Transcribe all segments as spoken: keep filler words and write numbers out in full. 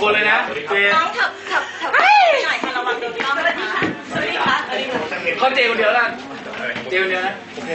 คนเลยนะเจนน้องเถิบเถิบเถิบหน่อยค่ะระวังโดนต้องนะคะสวัสดีค่ะสวัสดีค่ะเขาเจคนเดียวแล้วเจคนเดียวนะโอเค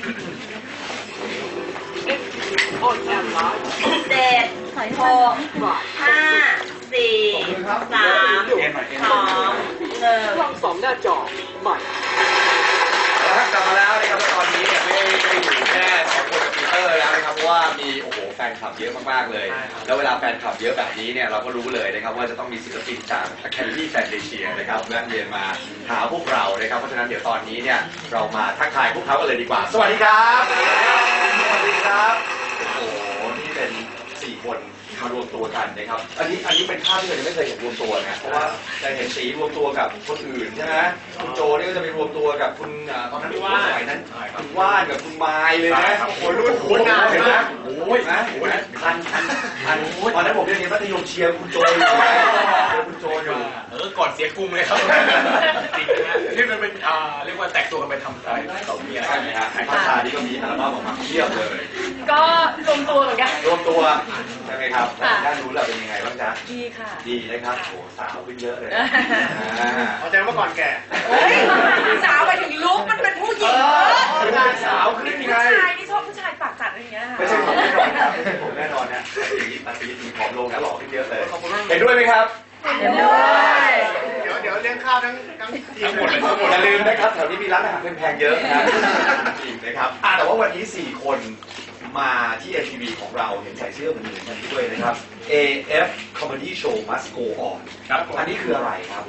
เจ็ดหกห้าสี่สามสองหนึ่งช่องสองหน้าจอใหม่แล้วกลับมาแล้วนะครับตอนนี้เนี่ยไม่ได้อยู่แค่สองคนกับปีเตอร์แล้วนะครับเพราะว่ามีโอ้โหแฟนคลับเยอะมากๆเลยแล้วเวลาแฟนคลับเยอะแบบนี้เนี่ยเราก็รู้เลยนะครับว่าจะต้องมีศิลปินจาก Academy Fantasia นะครับแวะเวียนมาหาพวกเรานะครับเพราะฉะนั้นเดี๋ยวตอนนี้เนี่ยเรามาทักทายพวกเขากันเลยดีกว่าสวัสดีครับสวัสดีครับโอ้โหนี่เป็นสี่คนมารวมตัวกันนะครับอันนี้อันนี้เป็นภาพที่เราไม่เคยเห็นรวมตัวนะเพราะว่าจะเห็นสีรวมตัวกับคนอื่นใช่ไหมคุณโจนี่ก็จะไปรวมตัวกับคุณตอนนั้นคุณว่านนั้นคุณว่านกับคุณไมล์เลยนะโอ้โหรุ่นโหนานเลยนะโอ้ยนะทันทันทันตอนนั้นผมเรียนมัธยมเชียร์คุณโจอยู่เชียร์คุณโจอยู่เออก่อนเสียกุ้งเลยครับจริงนะที่มันเป็นอ่าเรียกว่าแตกตัวกันไปทำอะไรต่อมีอะไรใช่ไหมฮะภาษาที่ก็มีอัลบั้มออกมาเทียบเลยก็รวมตัวเหมือนกันรวมตัวใช่ไหมครับด้านนู้นเราเป็นยังไงบ้างจ๊ะดีค่ะดีนะครับโอ้สาวขึ้นเยอะเลยเอาใจว่าก่อนแก่เฮ้ยสาวไปถึงลุกมันเป็นผู้หญิงผู้ชายสาวขึ้นไงผู้ชายนี่ชอบผู้ชายปากจัดอะไรอย่างเงี้ยไม่ใช่ผมแน่นอนครับไม่ใช่ผมแน่นอนนะอาทิตย์มีผอมลงนะหล่อขึ้นเยอะเลยเห็นด้วยไหมครับเห็นด้วยเดี๋ยวเดี๋ยวเลี้ยงข้าวทั้งทั้งทีมหมดเลยอย่าลืมนะครับแถวนี้มีร้านอาหารแพงๆเยอะนะจริงนะครับแต่ว่าวันนี้สี่คนมาที่ เอ็ม ที วี ของเราเห็นใส่เสื้อเหมือนๆกันด้วยนะครับ เอ เอฟ Comedy Show Must Go On ครับอันนี้คืออะไรครับ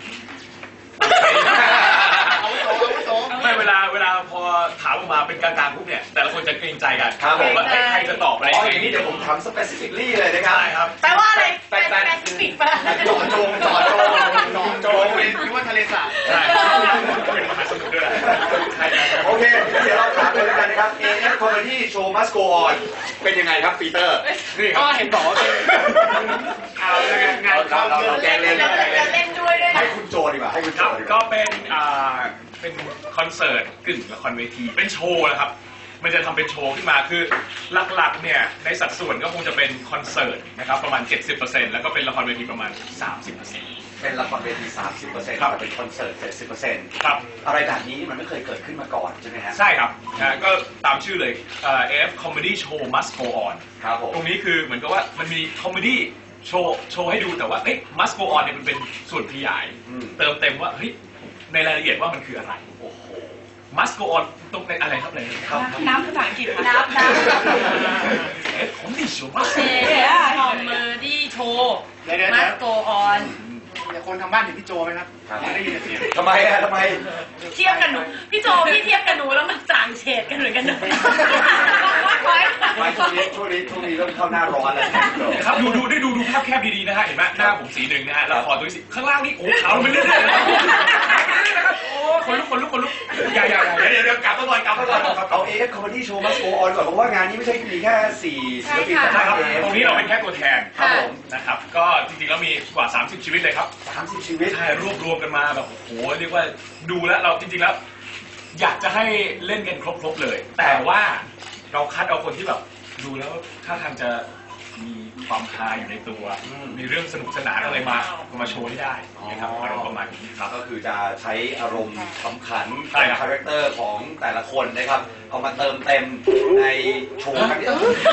ไม่เวลาเวลาพอถามออกมาเป็นกลางๆปุ๊บเนี่ยแต่ละคนจะเกรงใจกันว่าใครจะตอบอะไรอย่างนี้เดี๋ยวผมทำ specifically เลยนะครับแปลว่าอะไรแปลแปลสปิกปะจอดจงจอดจงจอดจงคิดว่าทะเลสาบใช่เป็นมหาสมุทรด้วยโอเคเดี๋ยวเราถามเลยแล้วกันนะครับ เอ เอฟ Comedy Show Must Go On เป็นยังไงครับปีเตอร์นี่ก็เห็นบอกว่าเป็นเอางานเข้าเราแกเล่นเล่นด้วยด้วยให้คุณโจดีกว่าให้คุณโจดีกว่าก็เป็นอ่าเป็นคอนเสิร์ตกึ่งละครเวทีเป็นโชว์นะครับมันจะทำเป็นโชว์ขึ้นมาคือหลักๆเนี่ยในสัดส่วนก็คงจะเป็นคอนเสิร์ตนะครับประมาณ เจ็ดสิบเปอร์เซ็นต์ แล้วก็เป็นละครเวทีประมาณ สามสิบเปอร์เซ็นต์เป็นละครเวที สามสิบเปอร์เซ็นต์ ครับเป็นคอนเสิร์ต เจ็ดสิบเปอร์เซ็นต์ครับอะไรแบบนี้มันไม่เคยเกิดขึ้นมาก่อนใช่ไหมฮะใช่ครับนะก็ตามชื่อเลย เอ เอฟ Comedy Show Must Go On ครับผมตรงนี้คือเหมือนกับว่ามันมีคอมเมดี้โชว์โชว์ให้ดูแต่ว่าเอ๊ะ Must Go On เนี่ยมันเป็นส่วนขยายเติมเต็มว่าเฮ้ยในรายละเอียดว่ามันคืออะไรโอ้โห Must Go On ตรงในอะไรครับอะไรครับน้ำภาษาอังกฤษน้ำน้ำเอ๊ะของดิโชว์ Must คอมเมดี้โชว์ Must Go On เดี๋ยวคนทางบ้านเห็นพี่โจไหมครับไม่ได้ยินเสียงทำไมอะทำไมเทียบกันหนูพี่โจพี่เทียบกันหนูแล้วมันจางเฉดกันเหมือนกันหนูไม่ช่วงนี้ช่วงนี้ช่วงนี้เริ่มเข้าหน้าร้อนแล้วครับดูดูได้ดูดูภาพแคบดีๆนะฮะเห็นไหมหน้าผมสีหนึ่งนะฮะแล้วคอตัวสีข้างล่างนี่โอ้ขาวไปเรื่อยๆนะครับโอ้คนลุกคนลุกคนลุกอย่าอย่าเดี๋ยวเดี๋ยวกลับมาก่อนกลับมาก่อนเอา เอ เอฟ Comedy Show Must Go On ก่อนเพราะว่างานนี้ไม่ใช่มีแค่สี่ศิลปินนะครับตรงนี้เราเป็นแค่ตัวแทนครับผมนะครับก็จริงๆแล้วมีกว่าสามสิบชีวิตเลยครับสามสิบชีวิตใช่รวบรวมกันมาแบบโอ้โหเรียกว่าดูแล้วเราจริงๆแล้วอยากจะให้เล่นกันครบๆเลยแต่ว่าเราคัดเอาคนที่แบบดูแล้วถ้าทางจะมีความฮาอยู่ในตัวมีเรื่องสนุกสนานอะไรมามาโชว์ให้ได้นะครับอารมณ์ประมาณนี้ครับก็คือจะใช้อารมณ์ขำขันเป็นคาแรคเตอร์ของแต่ละคนนะครับเอามาเติมเต็มในโชว์กัน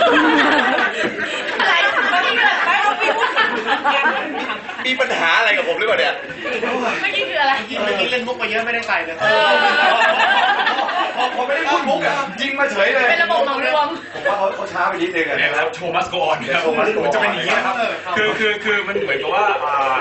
อะไรไม่มีอะไรไม่ต้องมีพูดมีปัญหาอะไรกับผมหรือเปล่าเนี่ยไม่คิดคืออะไรเมื่อกี้เล่นมุกมาเยอะไม่ได้ใส่เลยพอไม่ได้พูดมุกอะยิงมาเฉยเลยเป็นระบบเหมารวมผมว่าเขาเขาช้าไปนิดนึงอะเนี่ยครับโชว์มัสโกอนครับมันจะเป็นอย่างนี้นะครับคือคือคือมันเหมือนกับว่า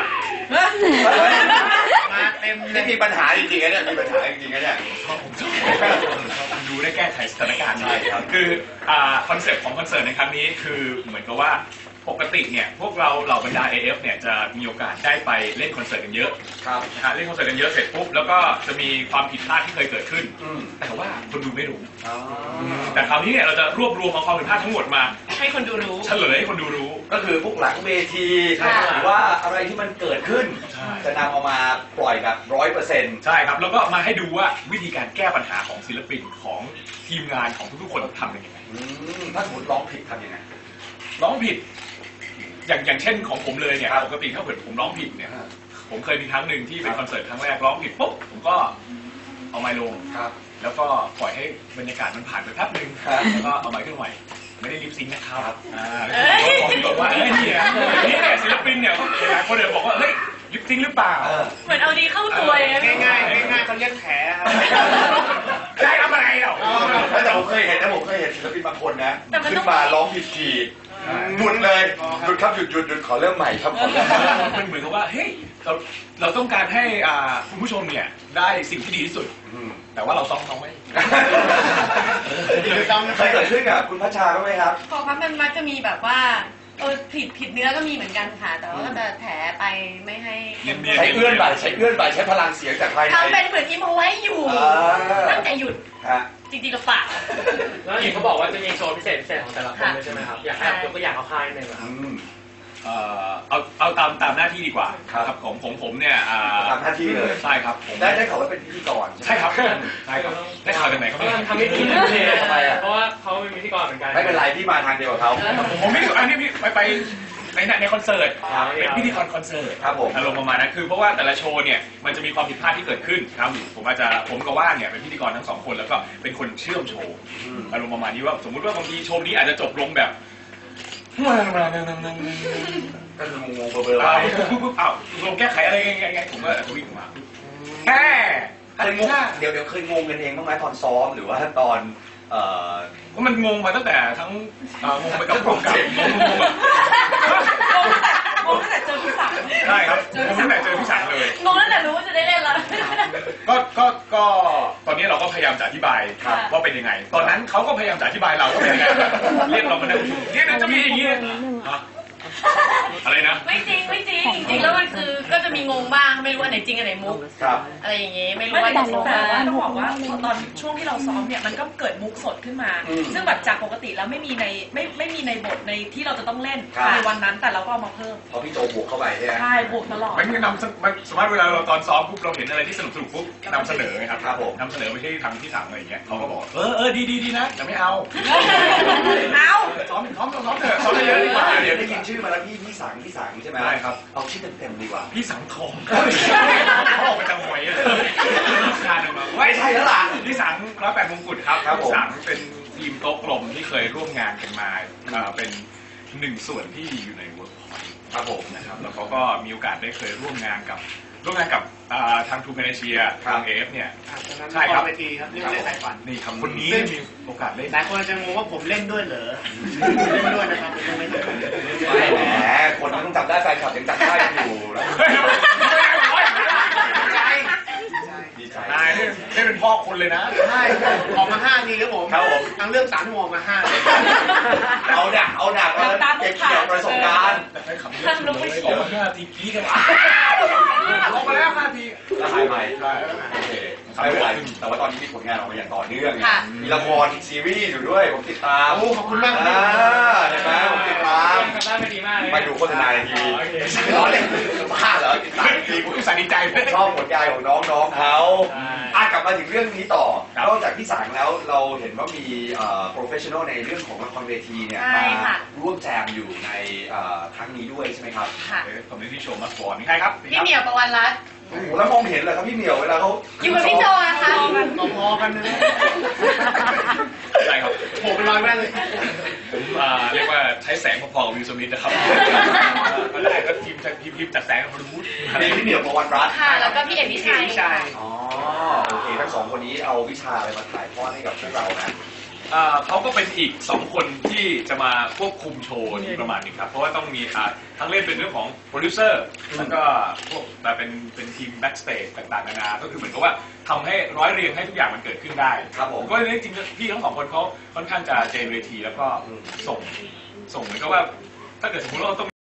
มาเต็มนี่มีปัญหาจริงๆนะเนี่ยมีปัญหาจริงๆนะเนี่ยผมดูได้แก้ไขสถานการณ์ได้ครับคือคอนเซ็ปต์ของคอนเสิร์ตในครั้งนี้คือเหมือนกับว่าปกติเนี่ยพวกเราเหล่าบรรดา เอ เอฟ เนี่ยจะมีโอกาสได้ไปเล่นคอนเสิร์ตกันเยอะครับเล่นคอนเสิร์ตกันเยอะเสร็จปุ๊บแล้วก็จะมีความผิดพลาดที่เคยเกิดขึ้นแต่ว่าคนดูไม่รู้แต่คราวนี้เนี่ยเราจะรวบรวมเอาความผิดพลาดทั้งหมดมาให้คนดูรู้เฉลยให้คนดูรู้ก็คือพวกหลังเวทีหรือว่าอะไรที่มันเกิดขึ้นจะนำเอามาปล่อยแบบร้อยเปอร์เซ็นต์ใช่ครับแล้วก็มาให้ดูว่าวิธีการแก้ปัญหาของศิลปินของทีมงานของทุกๆคนทำยังไงถ้าสมมติร้องผิดทำยังไงร้องผิดอย่างอย่างเช่นของผมเลยเนี่ยปกติถ้าเกิดผมร้องผิดเนี่ยผมเคยมีครั้งหนึ่งที่เป็นคอนเสิร์ตครั้งแรกร้องผิดปุ๊บผมก็เอาไมค์ลงแล้วก็ปล่อยให้บรรยากาศมันผ่านไปแป๊บนึงแล้วก็เอาไมค์ขึ้นใหม่ไม่ได้ลิปซิงค์นะครับอ่าบอกว่าเอ้ยนี่นะนี่เนี่ยศิลปินเนี่ยหลายคนเดี๋ยวบอกว่าเฮ้ยลิปซิงค์หรือเปล่าเหมือนเอาดีเข้าตัวเลยง่ายง่ายง่ายเขาเรียกแผลครับได้ทำอะไรหรอแต่ผมเคยเห็นนะผมเคยเห็นศิลปินบางคนนะแต่มันขึ้ต้อน งมาร้องผิดคีย์หยุดเลยหยุดครับหยุดหยุดหยุดขอเริ่มใหม่ครับขอเริ่มใหม่มันเหมือนกับว่าเฮ้ยเราเราต้องการให้อ่าคุณผู้ชมเนี่ยได้สิ่งที่ดีที่สุดอืมแต่ว่าเราซ้อมเขาไม่เคยเกิดขึ้นกับคุณพัชชาบ้างไหมครับของพักมันมักจะมีแบบว่าเออผิดผิดเนื้อก็มีเหมือนกันค่ะ แต่ว่าก็จะแถไปไม่ให้ใช้เอื้อนบ่ายใช้เอื้อนบ่ายใช้พลังเสียงจากภายในทำเป็นเหมือนอิมเอาไว้อยู่อ่าตั้งแต่หยุดฮะจริงๆก็เปล่าแล้วเห็นเขาบอกว่าจะมีโชว์พิเศษพิเศษของแต่ละคนเลยใช่ไหมครับ อยากให้ยกตัวอย่างเอาค่ายหนึ่งครับอืมเอ่อเอาเอาตามตามหน้าที่ดีกว่าครับของของผมเนี่ยอ่าทำหน้าที่เลยใช่ครับผมได้ได้ข่าวว่าเป็นพิธีกรใช่ครับใช่ครับได้ข่าวจากไหนครับทำไม่ดีทำไมอ่ะเพราะว่าเขาเป็นพิธีกรเหมือนกันไม่เป็นไรพี่มาทางเดียวกับเขาผมไม่ได้อันนี้พี่ไปไปในในคอนเสิร์ตครับเป็นพิธีกรคอนเสิร์ตครับผมอารมณ์ประมาณนั้นคือเพราะว่าแต่ละโชว์เนี่ยมันจะมีความผิดพลาดที่เกิดขึ้นครับผมอาจจะผมกับว่านเนี่ยเป็นพิธีกรทั้งสองคนแล้วก็เป็นคนเชื่อมโชว์อืมอารมณ์ประมาณนี้ว่าสมมุติว่าบางทีโชว์นี้อาจจะจบลงแบบก็คืองงๆเบลอๆอ้าไปวปุ๊บปุ๊บอ้าวลงแก้ไขอะไรไงไงไงผมก็อาจจะวิ่งออกมาแค่เคยงงเดี๋ยวเดี๋ยวเคยงงกันเองบ้างไหมตอนซ้อมหรือว่าตอนเอ่อเพราะมันงงมาตั้งแต่ทั้งเอ่องงไปกับพวกกับงงงงแบบงงตั้งแต่เจอพี่สังใช่ครับงงตั้งแต่เจอพี่สังเลยงงตั้งแต่รู้ว่าจะได้เล่นแล้วก็ก็ก็ตอนนี้เราก็พยายามจะอธิบายครับว่าเป็นยังไง ตอนนั้นเขาก็พยายามจะอธิบายเราว่าเป็นยังไงเรียกเรามานั่งประชุมเนี่ยเดี๋ยวจะมีอย่างนี้นะฮะอะไรนะไม่จริงไม่จริงจริงๆแล้วมันคือก็จะมีงงบ้างไม่รู้อันไหนจริงอันไหนมุกครับอะไรอย่างงี้ไม่รู้ไม่ว่าแต่จะแต่ว่าต้ต้ออง งบบ ออก กว่าว่าตอนช่วงที่เราซ้อมเนี่ยมันก็เกิดมุกสดขึ้นมาอืมซึ่งแบบจากปกติแล้วไม่มีในไม่ไม่มีในบทในที่เราจะต้องเล่นครับในวันนั้นแต่เราก็เอามาเพิ่มพอพี่โจบวกเข้าไปใช่ไหมใช่บวกตลอดมันนำเสนอมันสมมติเวลาเราตอนซ้อมปุ๊บเราเห็นอะไรที่สนุกสนุกปุ๊บนำเสนอไงครับครับผมนำเสนอไปที่ทางที่สั่งอะไรอย่างเงี้ยเขาก็บอกเออเออดีดีดีนะแต่ไม่เอาเอาซ้อมซ้อมซ้อมเถอะซ้อมเยอะๆดีกว่าเดี๋ยวได้ยินชื่อมาแล้วพี่พี่สังพี่สังใช่ไหมได้ครับเอาชื่อเต็มๆดีกว่าพี่สังทองเขาออกไปจังหวยเลยคาดออกมาไม่ใช่แล้วล่ะพี่สังร้อยแปดมงกุฎครับครับผมพี่สังเป็นทีมโต๊ะกลมที่เคยร่วมงานกันมาเอ่อเป็นหนึ่งส่วนที่อยู่ในเวิร์กพอยต์ครับผมนะครับแล้วเขาก็มีโอกาสได้เคยร่วมงานกับร่วมงานกับอ่าทางทูเมเนเชียทางเอฟเนี่ย ใช่ครับเวทีครับเรื่องเล่นสายฝันนี่ครับคนนี้มีโอกาสเล่นหลายคนจะงงว่าผมเล่นด้วยเหรอเล่นด้วยนะครับผมเล่นด้วยไม่แหมคนมันต้องจำได้แฟนคลับยังจำได้กันอยู่นะดีใจนายนี่นี่เป็นพ่อคนเลยนะใช่ออกมาห้าทีครับผมครับผมทั้งเรื่องสามชั่วโมงมาห้าเอาหนักเอาหนักเอาเก็บเกี่ยวประสบการณ์แต่ใช้คำนี้สุดเลยออกมาห้าทีกี้กันออกมาแล้วห้าทีแล้วหายใหม่ใช่โอเคไม่เป็นไรแต่ว่าตอนนี้มีผลงานออกมาอย่างต่อเนื่องค่ะมีละครซีรีส์อยู่ด้วยผมติดตามโอ้ขอบคุณมากคอ่ารับเห็นไหมผมติดตามทำได้ไม่ดีมากเลยไปดูโฆษณาในทีวีโอเคไม่ร้อนเลยบ้าเหรอติดตามในทีวีผมอุตส่าห์ดีใจเลยชอบผลงานของน้องๆเขาใช่อ่ะกลับมาถึงเรื่องนี้ต่อครับนอกจากพี่สังแล้วเราเห็นว่ามีเอ่อ professional ในเรื่องของละครเวทีเนี่ยใช่มาค่ะร่วมแจมอยู่ในเอ่อครั้งนี้ด้วยใช่ไหมครับค่ะคอมเมดี้โชว์มาสอนนี่ใครครับพี่เหมียวประวันรัตน์โอ้โหแล้วมองเห็นเหรอครับพี่เหมียวเวลาเขาอยู่กับพี่โจนะคะพอๆกันนะใช่ครับโผล่เป็นรอยแม่เลยผมอ่าเรียกว่าใช้แสงพอๆกับวิลสมิธนะครับก็ได้ก็ทีมทีมทีมจัดแสงกับฮอลลีวูดมีพี่เหมียวประวันรัตน์ค่ะ แล้วก็พี่เอ็มพิชัยพี่ชายอ๋อโอเคทั้งสองคนนี้เอาวิชาอะไรมาถ่ายทอดให้กับพวกเรานะอ่าเขาก็เป็นอีกสองคนที่จะมาควบคุมโชว์นี้ประมาณนี้ครับ เพราะว่าต้องมีอ่าทั้งเล่นเป็นเรื่องของโปรดิวเซอร์แล้วก็พวกแบบเป็นเป็นทีมแบ็กสเตจต่างๆนานาก็คือเหมือนกับว่าทำให้ร้อยเรียงให้ทุกอย่างมันเกิดขึ้นได้ครับผมก็เลยจริงๆพี่ทั้งสองคนเขาค่อนข้างจะเจนเวทีแล้วก็ส่งส่งเหมือนกับว่าถ้าเกิดสมมติว่าเราต้อง